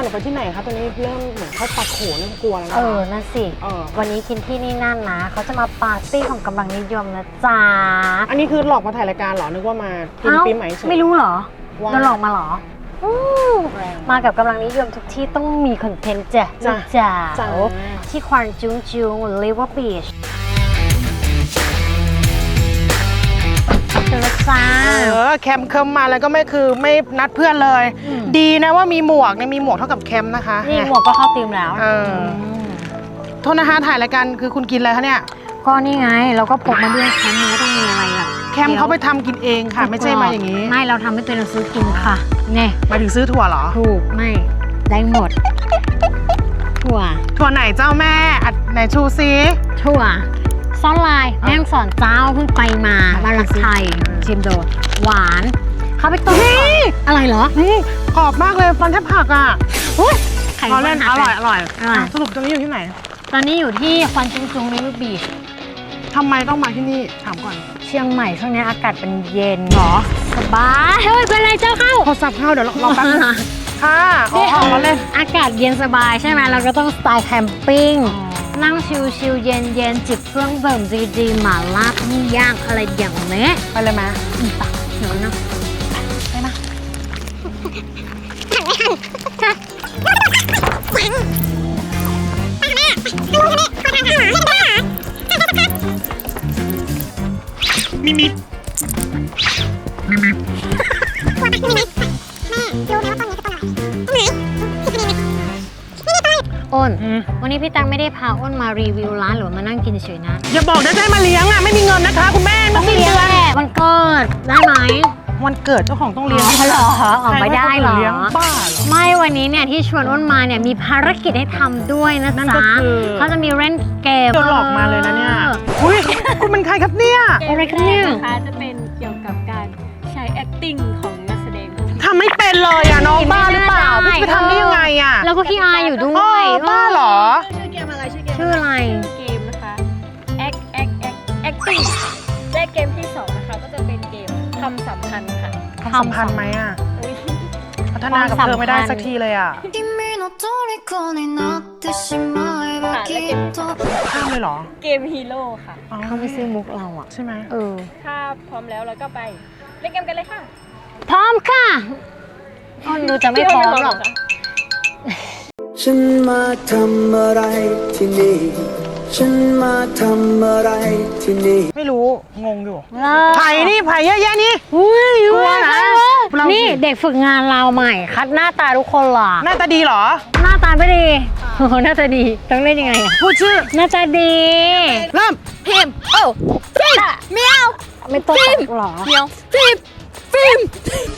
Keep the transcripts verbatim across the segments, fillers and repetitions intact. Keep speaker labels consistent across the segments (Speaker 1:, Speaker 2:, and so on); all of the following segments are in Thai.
Speaker 1: รือไปที่ไหนคะตอนนี้เริ่มเหมือนเข้าปากโขเริ่มกลัวแล้วนะ
Speaker 2: เออนั่นสิวันนี้กินที่นี่นั่นนะเขาจะมาปาร์ตี้ของกำลังนิยมนะจ๊ะ
Speaker 1: อันนี้คือหลอกมาถ่ายรายการเหรอนึกว่ามากินปีใหม่เฉย
Speaker 2: ไม่รู้เหรอโดนหลอกมาเหรอมากับกำลังนิยมทุกที่ต้องมีคอนเทนต์จ้ะจ้าที่ควานจุงจุงลิเวอร์บีชเจอจ้า
Speaker 1: เออแคมเคิมมาแล้วก็ไม่คือไม่นัดเพื่อนเลยดีนะว่ามีหมวกเนี่ยมีหมวกเท่ากับแคมนะคะ
Speaker 2: นี่หมวกก็เข้าธีมแล้ว
Speaker 1: เออโทษนะคะถ่ายรายการคือคุณกินอะไรคะเนี่ย
Speaker 2: ก็นี่ไงเราก็พกมาด้วยแคมมันก็ต้องมีอะไรอ่ะ
Speaker 1: แคมเขาไปทำกินเองค่ะไม่ใช่มาอย่างนี้
Speaker 2: ไม่เราทำไม่เป็นเราซื้อกินค่ะเนี่ย
Speaker 1: หมายถึงซื้อถั่วเหรอ
Speaker 2: ถูกไม่ได้หมดถั่ว
Speaker 1: ถั่วไหนเจ้าแม่อัดไหนชูซิ
Speaker 2: ถั่วซ่อนลายแม่งสอนเจ้าเพิ่งไปมาบ้านรักไทยชิมโดหวานเขาไปต้มอะไรเหรอ
Speaker 1: กรอบมากเลยฟันแทบหักอ่ะ
Speaker 2: ไข่
Speaker 1: เขาเล่นอร่อยอร่อยสรุปตรงนี้อยู่ที่ไหน
Speaker 2: ตอนนี้อยู่ที่ควันจุงจุงริเวอร์บีช
Speaker 1: ทำไมต้องมาที่นี่ถามก่อน
Speaker 2: เชียงใหม่ช่วงนี้อากาศเป็นเย็นหรอสบายเฮ้ยเป็นไรเจ้าเข้า
Speaker 1: โทรศัพท์เข้าเดี๋ยวรอแป๊บนึงค่ะอ๋อเราเล่น
Speaker 2: อากาศเย็นสบายใช่ไหมเราก็ต้องสไตล์แคมปิ้งนั่งชิลๆเย็นๆจิบเครื่องดื่มดีๆหม่าล่าปิ้งย่างอะไรอย่างนี้
Speaker 1: ไปเลยไหม
Speaker 2: ไปเดี๋ยวนะ
Speaker 1: ไปมามิมิมิมิ
Speaker 2: อ้นวันนี้พี่ตังไม่ได้พาอ้นมารีวิวร้านหรือมานั่งกินเฉยๆนะ
Speaker 1: อย่าบอกนะได้มาเลี้ยงอ่ะไม่มีเงินนะคะคุณแม่
Speaker 2: ต้องเลี้ยงแหละวันเกิดได้ไหม
Speaker 1: วันเกิดเจ้าของต้องเลี้ยง
Speaker 2: เหรอออกไม่ได้เหรอ
Speaker 1: บ้า
Speaker 2: ไม่วันนี้เนี่ยที่ชวนอ้นมาเนี่ยมีภารกิจให้ทำด้วยนะจ๊ะเขาจะมีเล่นเกม
Speaker 1: โดนหลอกมาเลยนะเนี่ยอุ้ยคุณเป็นใครครับเนี่ย
Speaker 2: อะไรกันเนี่ย
Speaker 3: นะคะจะเป็นเกี่ยวกับการใช้ acting ของนักแสดง
Speaker 1: ทำไม่เป็นเลยอ่ะน้องบ้าหรือเปล่าพี่ไปทำได้ยังไงอ่ะ
Speaker 2: แล้วก็ขี้อายอยู่ด้วย
Speaker 1: บ้าเหรอ
Speaker 3: ชื่อเกมอะไรชื่อเกม
Speaker 2: ชื่ออะไร
Speaker 3: เกมนะคะ act act act acting และเกมที่สองนะคะก็จะเป็นเกมคำสัมพันธ์ค่ะ
Speaker 1: คำสัมพันธ์ไหมอ่ะพัฒนากับเธอไม่ได้สักทีเลยอ่ะข้ามเลยเหรอ
Speaker 3: เกมฮีโร่ค่ะ
Speaker 2: เขาไม่ซื้อมุกเราอ่ะ
Speaker 1: ใช่ไหม
Speaker 2: เออ
Speaker 3: ถ้าพร้อมแล้วเราก็ไปเล่นเกมกันเลยค่ะ
Speaker 2: พร้อมค่ะอ้นดูจะไม่พร้อมหรอก
Speaker 4: ฉันมาทำอะไรที่นี่ฉันมาทำอะไรที่นี่
Speaker 1: ไม่รู้งงอยู่ไผ่นี่ไผ่เยอะแยะนี่
Speaker 2: อุ้ยกลัวนะนี่เด็กฝึกงานเราใหม่คัดหน้าตาทุกคนหรอ
Speaker 1: หน้าตาดีหรอ
Speaker 2: หน้าตาไม่ดีโอ้หน้าตาดีต้องเล่นยังไง
Speaker 1: พูดชื่อ
Speaker 2: หน้าตาดี
Speaker 1: เริ่ม
Speaker 3: พิมโอ้ฟิมเมียว
Speaker 2: ไม่ต้องหรอ
Speaker 3: เมียวฟิมฟิม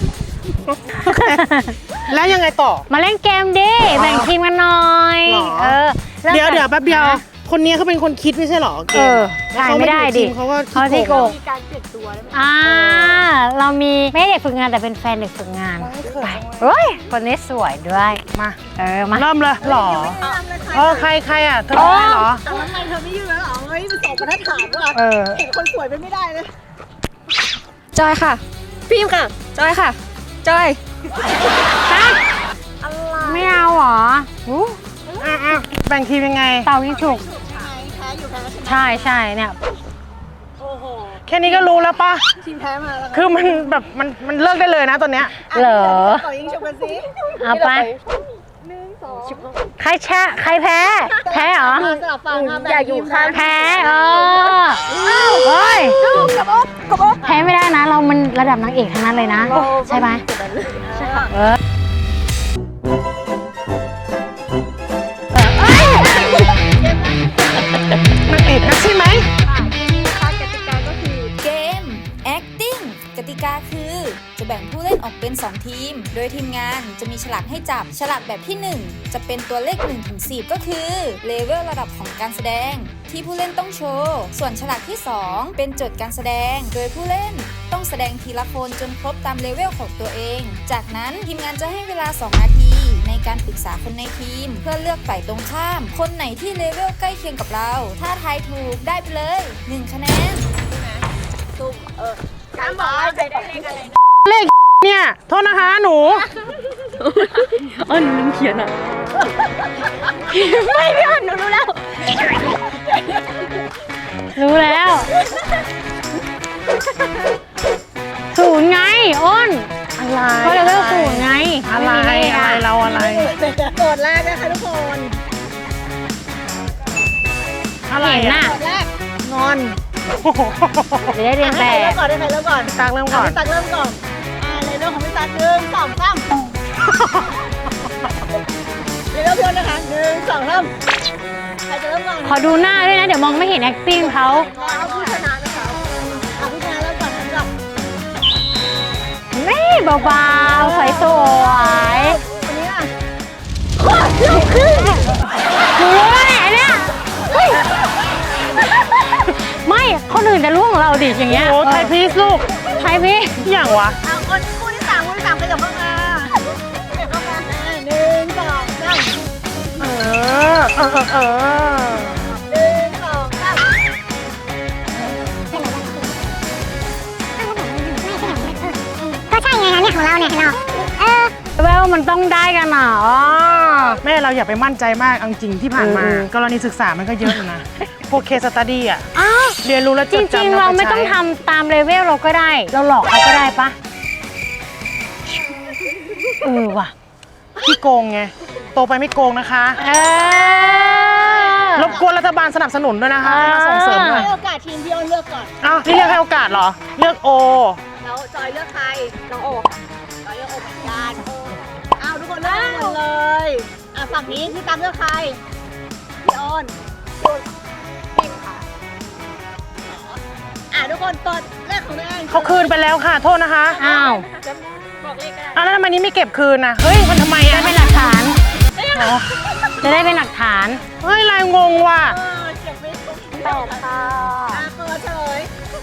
Speaker 1: แล้วยังไงต่อ
Speaker 2: มาเล่นเกมดิแบ่งทีมกันหน่อยเออ
Speaker 1: เดี๋ยวเดี๋ยวแป๊บเดียวคนนี้เขาเป็นคนคิดไม่ใช่หรอเกม
Speaker 2: ถ่ายไม่ได้ดิ
Speaker 1: เขาก็
Speaker 2: เขาที่โกง
Speaker 3: มีการเปลี่ยนตัวได้ไหม
Speaker 2: อ่าเรามีไม่เด็กฝึกงานแต่เป็นแฟนเด็กฝึกงานไปเฮ้ยคนนี้สวยด้วย
Speaker 1: มา
Speaker 2: เออมา
Speaker 1: เริ่มเลยหรอเออใครใครอ่ะเธอไม่หรอ
Speaker 3: แต่ว่าใครเธอไม่ยืนแล้วหรอเฮ้ยมันส่งมาถ้าถามว่าเห็นคนสวยไปไม่ได้เลย
Speaker 5: จอยค่ะฟิล์มค่ะจอยค่ะจอย
Speaker 2: ไม่เอาหรอ
Speaker 1: อ่ะแบ่งทีมยังไง
Speaker 2: เต่ายิ่งฉุกใช่ใช่เนี่ย
Speaker 1: แค่นี้ก็รู้แล้วป่ะ
Speaker 3: ทีมแพ้มาแล้ว
Speaker 1: คือมันแบบมันมันเลิกได้เลยนะตอนเนี้ย
Speaker 2: เหรอ
Speaker 3: ต่อยิงฉุกกันสิ
Speaker 2: เอาไปใครแช่ใครแพ้แพ้เหรอ
Speaker 3: อย่าอยู่ข้าง
Speaker 2: แพ้เออเฮ้ยแพ้ไม่ได้นะเรามันระดับนางเอกทั้งนั้นเลยนะใช่ไหมใช่ค่ะเอ
Speaker 1: อนางเอกนะใช่ไหม
Speaker 3: กติกาก็คือ
Speaker 6: เกม acting กติกาคือจะแบ่งผู้เล่นออกเป็นสองทีมโดยทีมงานจะมีฉลากให้จับฉลากแบบที่หนึ่งจะเป็นตัวเลขหนึ่งถึงสิบก็คือเลเวลระดับของการแสดงที่ผู้เล่นต้องโชว์ส่วนฉลากที่สองเป็นโจทย์การแสดงโดยผู้เล่นต้องแสดงทีละคนจนครบตามเลเวลของตัวเองจากนั้นทีมงานจะให้เวลาสองนาทีในการปรึกษาคนในทีมเพื่อเลือกฝ่ายตรงข้ามคนไหนที่เลเวลใกล้เคียงกับเราถ้าทายถูกได้ไปเลยหนึ่งคะแนน
Speaker 3: ซุ่มเออการบอกว่าใครได้เลขอะไร
Speaker 1: เลขเนี่ยโทษนะคะหนู
Speaker 5: อ้อนมันเขียนอ่ะ
Speaker 2: ไม่พี่อ้นหนูรู้แล้ว รู้แล้ว ศูนย์ไงอ้น
Speaker 1: อะไร
Speaker 2: ก็เลเวลศูนย์ไง
Speaker 1: อะไร
Speaker 2: ม่มีเลข
Speaker 1: อะไรเราอะไร
Speaker 3: โจทย์แรกนะคะทุกคน
Speaker 1: อะไร
Speaker 2: เห็นน่ะ
Speaker 3: โจทย์แรก
Speaker 1: งอน
Speaker 2: จะได้เรียน
Speaker 3: ให้
Speaker 2: แบ
Speaker 3: ใครเริ่
Speaker 2: บ
Speaker 3: มก่อนให้ใครเริ่มก่อน
Speaker 1: ตักเริ่มก่อน
Speaker 3: พี่ตักเริ่มก่อน อ่าเลเวลของพี่ตักหนึ่งสองสามเลเวลพี่อ้นนะคะหนึ่งสองสามใครจะเริ่มก่อน
Speaker 2: ขอดูหน้าด้วยนะ เดี๋ยวมองไม่เห็น acting เขา
Speaker 3: เอาผู้ชนะนะคะเอาผู้ชนะเริ่มก่อนสำหรับ
Speaker 2: นี่เบาๆสวยสวย
Speaker 3: วันนี้อ่ะ
Speaker 2: ๆหนูรู้แล้วเนี่ยไอ้เนี่ยเฮ้ยไม่คนอื่นจะล่วงเราดิอย่างเงี้ย
Speaker 1: โอ้ไทยพีซลูก
Speaker 2: ไทยพี่
Speaker 1: อย่างวะ
Speaker 3: เอาคนคู่ที่สามคู่ที่สามขยับเข้ามาขยับเข้ามาอ่าหนึ่งสองสาม
Speaker 1: เออ เออ เออ
Speaker 3: หนึ่งสองสาม
Speaker 7: ก็ใช่ไงคะเนี่ยของเราเนี่ยเราเออ
Speaker 2: แววมันต้องได้กันเหรอ
Speaker 1: แม่เราอย่าไปมั่นใจมากเอาจริงที่ผ่านมา
Speaker 2: เออ
Speaker 1: กรณีศึกษามันก็เยอะอยู่นะ พวกเคสตัดดี้อ่ะ
Speaker 2: อ้าว
Speaker 1: เรียนรู้แล้ว
Speaker 2: จ
Speaker 1: จด
Speaker 2: ริง
Speaker 1: จำ
Speaker 2: ๆ เรา
Speaker 1: ป
Speaker 2: ไม่ต้อง
Speaker 1: ใช้
Speaker 2: ทำตามเลเวลเราก็ได้ เราหลอกเขาก็ได้ปะเออว่ะ
Speaker 1: ที่โกงไง โตไปไม่โกงนะคะ
Speaker 2: เออ
Speaker 1: รบกวนรัฐบาลสนับสนุนด้วยนะคะให้มาส่งเสริมหน่อย
Speaker 3: ให้โอกาสทีมพี่อ้นเลือกก่อน
Speaker 1: อ้าวนี่เรียกให้โอกาสเหรอ เลือกโอ
Speaker 3: แล้วจอยเลือกใครน้องโอจอยเลือกโอเหมือนกันอ้าวทุกคนเลือกหมดเลยอ่ะฝั่งนี้พี่ตามเลือกใครพี่อ้นพิมค่ะอ่ะทุกคนเปิดเลขของตัวเอง
Speaker 1: เขาคืนไปแล้วค่ะ โทษนะคะ
Speaker 2: อ้าว
Speaker 3: บอกเลขก็ได้
Speaker 1: อ้าวแล้วทำไมนี้ไม่เก็บคืนนะเฮ้ย มันทำไม
Speaker 2: จะ
Speaker 1: อ่ะ
Speaker 2: ได้เป็นหลักฐาน จะได้เป็นหลักฐาน
Speaker 1: เฮ้ยลายงงว่ะ
Speaker 3: เออเก็บไม่ถูกแปดค่ะอ่ะเปิดเฉลย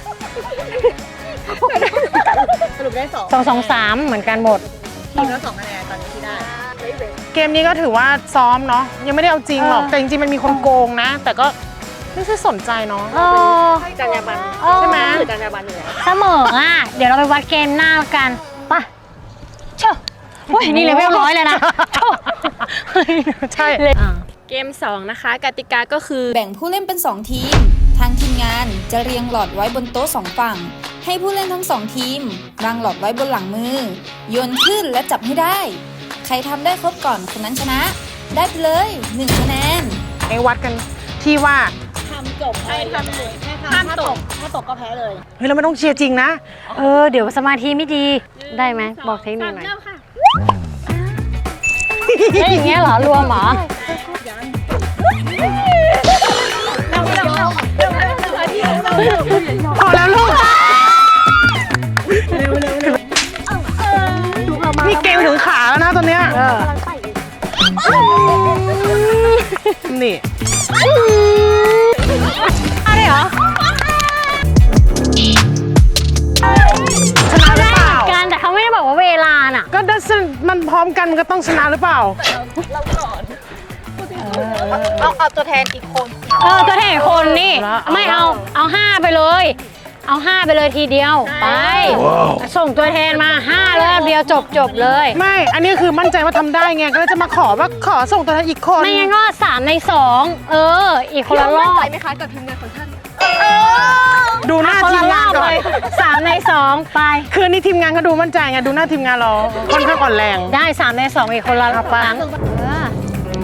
Speaker 3: สรุปได้สอง
Speaker 2: สองสองสามเหมือนกันหมด
Speaker 3: ทีมละสองคะแนนตอนนี้ที่ได้
Speaker 1: เกมนี้ก็ถือว่าซ้อมเนาะ ยังไม่ได้เอาจริงหรอก แต่จริงๆ มันมีคนโกงนะ แต่ก็ไม่ใช่สนใจเนาะ
Speaker 2: เออ
Speaker 3: จรรยาบรรณ
Speaker 1: ใช่ไหม
Speaker 3: คือจรรยาบรรณอยู่แล้ว
Speaker 2: เสมออ่ะ เดี๋ยวเราไปวัดเกมหน้ากันไปะเช่าโอ้ยนี่เลเวลร้อยเลยนะเช่า
Speaker 1: ใช่
Speaker 2: อ่ะ
Speaker 5: เกมสองนะคะ กติกาก็คือ
Speaker 6: แบ่งผู้เล่นเป็นสองทีม ทางทีมงานจะเรียงหลอดไว้บนโต๊ะสองฝั่ง ให้ผู้เล่นทั้งสองทีมวางหลอดไว้บนหลังมือ โยนขึ้นและจับให้ได้ ใครทำได้ครบก่อนคนนั้นชนะ ได้ไปเลยหนึ่งคะแนน
Speaker 1: ไอ้วัดกันที่ว่า
Speaker 3: ทำจบใครทำเลยห้ามตกถ้าตกก็แพ้เลย
Speaker 1: เฮ้ยเราไม่ต้องเชียร์จริงนะ
Speaker 2: เออ เดี๋ยวสมาธิไม่ดี ได้ไหม บอกเทคนิคหน่อย
Speaker 5: เริ่มค่ะ
Speaker 2: เล่นอย่างเงี้ยเหรอ รวมเหรอ
Speaker 1: พอแล้วลูก นี่เกมถึงขาแล้วนะตอนเนี้ยนี่
Speaker 2: อะไรเหรอ
Speaker 1: ชนะหรือเปล่า
Speaker 2: การแต่เขาไม่ได้บอกว่าเวลาน่ะ
Speaker 1: ก็ดัชมันพร้อมกันมันก็ต้องชนะหรือเปล่า
Speaker 3: เอาเอาตัวแทนอีกคน
Speaker 2: เออตัวแทนคนนี่
Speaker 1: เอาละ
Speaker 2: ไม่เอา เอาห้าไปเลย เอาห้าไปเลยทีเดียว ไป ส่งตัวแทนมาห้าเลยเดียวจบจบเลย
Speaker 1: ไม่ อันนี้คือมั่นใจว่าทำได้ไง ก็เลยจะมาขอว่าขอส่งตัวแทนอีกคน
Speaker 2: ไม่งั้นก็สามในสองเออ อีกคนละรอบ
Speaker 5: ไหมคะกับทีมงานของท่าน
Speaker 1: ดูหน้า
Speaker 2: คน
Speaker 1: ที
Speaker 2: ละ
Speaker 1: ม
Speaker 2: รง
Speaker 1: า
Speaker 2: อน บ
Speaker 1: ก่อ
Speaker 2: เล
Speaker 1: น
Speaker 2: ยสามในสองไป
Speaker 1: คืนนี้ทีมงานก็ดูมั่นใจไง ดูหน้าทีมงานเราค่อนข้างอ่อนแรง
Speaker 2: ได้สามในสองอีกคนละครั้งเออ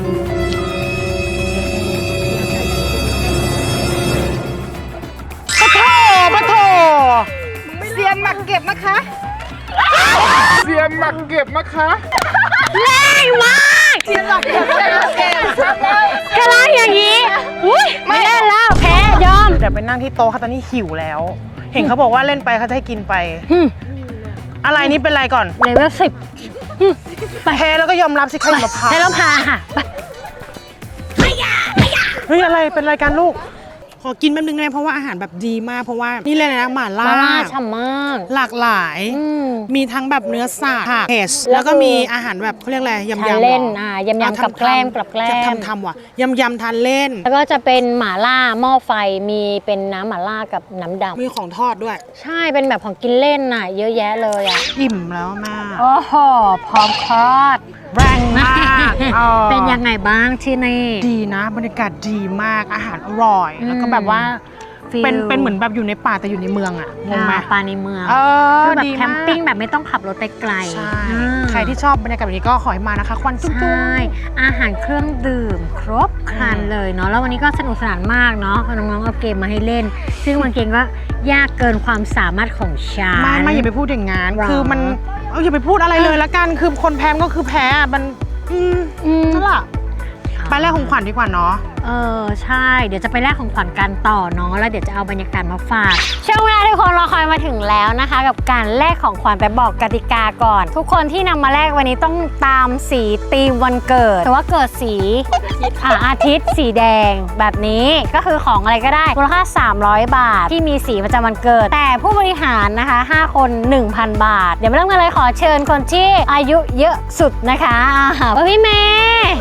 Speaker 1: ปะโถปะโถ
Speaker 3: เซียนหมักเก็บนะคะ
Speaker 1: เสียนหมักเก็บนะคะ
Speaker 2: แรงมาก
Speaker 3: เซียนหมักเก็บเซียนหมักเก็บ
Speaker 2: กระไรอย่างนี้อุ้ยไม่เล่นแล้วแพ้ยอม
Speaker 1: เดี๋ยวไปนั่งที่โต๊ะค่ะตอนนี้หิวแล้ว เห็นเขาบอกว่าเล่นไปเขาจะให้กินไป
Speaker 2: หึ
Speaker 1: อะไรนี่เป็นไรก่อน
Speaker 2: เลเวลสิบ
Speaker 1: แพ้แล้วก็ยอมรับสิใครมาพา
Speaker 2: ให้เราพาค่ะไป
Speaker 1: เฮ้ยอะไรเป็นรายการลูกขอกินแป๊บนึงได้ไหมเพราะว่าอาหารแบบดีมากเพราะว่านี่เลยนะหม่าล่า
Speaker 2: มาล่าฉ่ำมาก
Speaker 1: หลากหลาย
Speaker 2: อืม
Speaker 1: มีทั้งแบบเนื้อสัตว์ผักเผ็ด
Speaker 2: แล้
Speaker 1: แล้ว ว
Speaker 2: ก็
Speaker 1: ก็มีอาหารแบบเขาเรียกอะไรยำ
Speaker 2: ทาน
Speaker 1: ยำ
Speaker 2: เล่นอ่ายำยำกับแกล้มกับแกล้ม
Speaker 1: ทำทำว่ะยำยำทานเล่น
Speaker 2: แล้วก็จะเป็นหม่าล่าหม้อไฟมีเป็นน้ำหม่าล่ากับน้ำด
Speaker 1: มีของทอดด้วย
Speaker 2: ำใช่เป็นแบบของกินเล่นน่ะ เยอะแยะเลยอ่ะ
Speaker 1: อิ่มแล้วมาก
Speaker 2: โอ้โหพร้อมคลอด
Speaker 1: แรงมากออ
Speaker 2: เป็นยังไงบ้างที่นี่
Speaker 1: ดีนะบรรยากาศดีมากอาหารอร่อย แล้วก็แบบว่า
Speaker 2: ฟิล
Speaker 1: เป็นเป็นเหมือนแบบอยู่ในป่าแต่อยู่ในเมืองอ่ะงงไหม
Speaker 2: อ่าปลาในเมือง
Speaker 1: เออ
Speaker 2: คือแบบ
Speaker 1: ดี
Speaker 2: แค
Speaker 1: มาม ก
Speaker 2: ปิ้งแบบไม่ต้องขับรถไปไกล
Speaker 1: ใช่
Speaker 2: อืม
Speaker 1: ใครที่ชอบบรรยากาศแบบนี้ก็ขอให้มานะคะควันจุ้
Speaker 2: ใช่
Speaker 1: ง
Speaker 2: อาหารเครื่องดื่มครบครันเลยเนาะแล้ววันนี้ก็สนุกสนานมากเนาะน้องๆเอาเกมมาให้เล่น ซึ่งบางเกมก็ยากเกินความสามารถของฉัน
Speaker 1: ไม่ไม่อย่าไปพูดอย่างงั้น
Speaker 2: หรอ
Speaker 1: คือมันเอาอย่าไปพูดอะไรเลยละกันคือคนแพ้มันก็คือแพ้อะมันอืม
Speaker 2: อืม
Speaker 1: นั่นแหละไปแรกของขวัญดีกว่าเนาะ
Speaker 2: เออใช่เดี๋ยวจะไปแลกของขวัญกันต่อเนาะแล้วเดี๋ยวจะเอาบรรยากาศมาฝากช่วงเวลาทุกคนรอคอยมาถึงแล้วนะคะ กับการแลกของขวัญไปบอกกติกาก่อน ทุกคนที่นำมาแลกวันนี้ต้องตามสีธีมวันเกิดแต่ว่าเกิดสีอ่าอาทิตย์สีแดงแบบนี้ก็คือของอะไรก็ได้มูลค่าสามร้อยบาทที่มีสีประจำวันเกิด แต่ผู้บริหารนะคะห้าคน หนึ่งพัน บาท เดี๋ยวมาเริ่มกันเลยขอเชิญคนที่อายุเยอะสุดนะคะอ่าพี่เมย์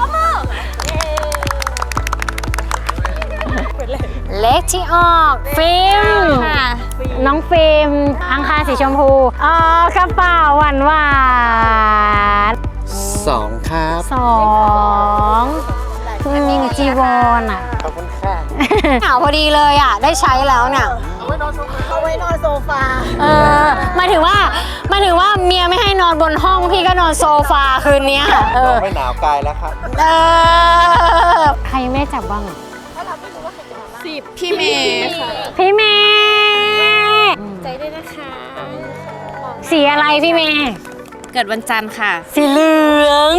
Speaker 2: เลขที่ออกฟิล์มน้องฟิล์มอังคารสีชมพูอ๋อกระเป๋าหวานหวาน
Speaker 8: สองครับ
Speaker 2: สองอืมจีวอนอ่ะ
Speaker 8: ขอบคุณค่ะ
Speaker 2: หนาวพอดีเลยอ่ะ ได้ใช้แล้วเนี่ย
Speaker 3: เอาไว้นอนโซฟา
Speaker 2: เออหมายถึงว่าหมายถึงว่าเมียไม่ให้นอนบนห้องพี่ก็นอนโซฟาคืนนี้เออ
Speaker 8: ไม่หนาวกายแล้วครับ
Speaker 2: เออใครยังไม่ได้จับบ้างอ่ะ
Speaker 5: พี่เมย์
Speaker 2: พี่เมย์ใจด้วยนะคะ สีอะไรพี่เมย์
Speaker 5: เกิดวันจันทร์ค่ะ
Speaker 2: สีเหลือง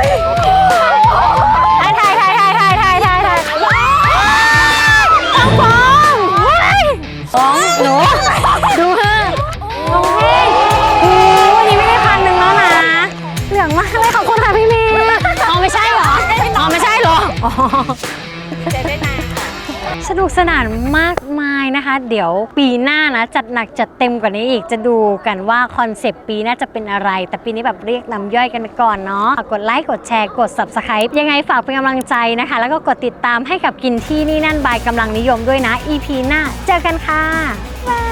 Speaker 2: ถ่ายถ่ายถ่ายถ่ายถ่ายถ่ายถ่ายถ่ายต้องฟองฟองหนูดูเถอะน้องเพลงโอ้วันนี้ไม่ได้พันหนึ่งแล้วนะ เหลืองมากเลยขอบคุณค่ะพี่เมย์อ๋อไม่ใช่เหรออ๋อไม่ใช่เหรออ๋อสนุกสนานมากมายนะคะ เดี๋ยวปีหน้านะจัดหนักจัดเต็มกว่านี้อีกจะดูกันว่าคอนเซปต์ปีหน้าจะเป็นอะไร แต่ปีนี้แบบเรียกน้ำย่อยกันไปก่อนเนาะกดไลค์กดแชร์กด ซับสไครบ์ ยังไงฝากเป็นกำลังใจนะคะ แล้วก็กดติดตามให้กับกินที่นี่นั่นบายกำลังนิยมด้วยนะ อี พี หน้าเจอกันค่ะบ๊ายบาย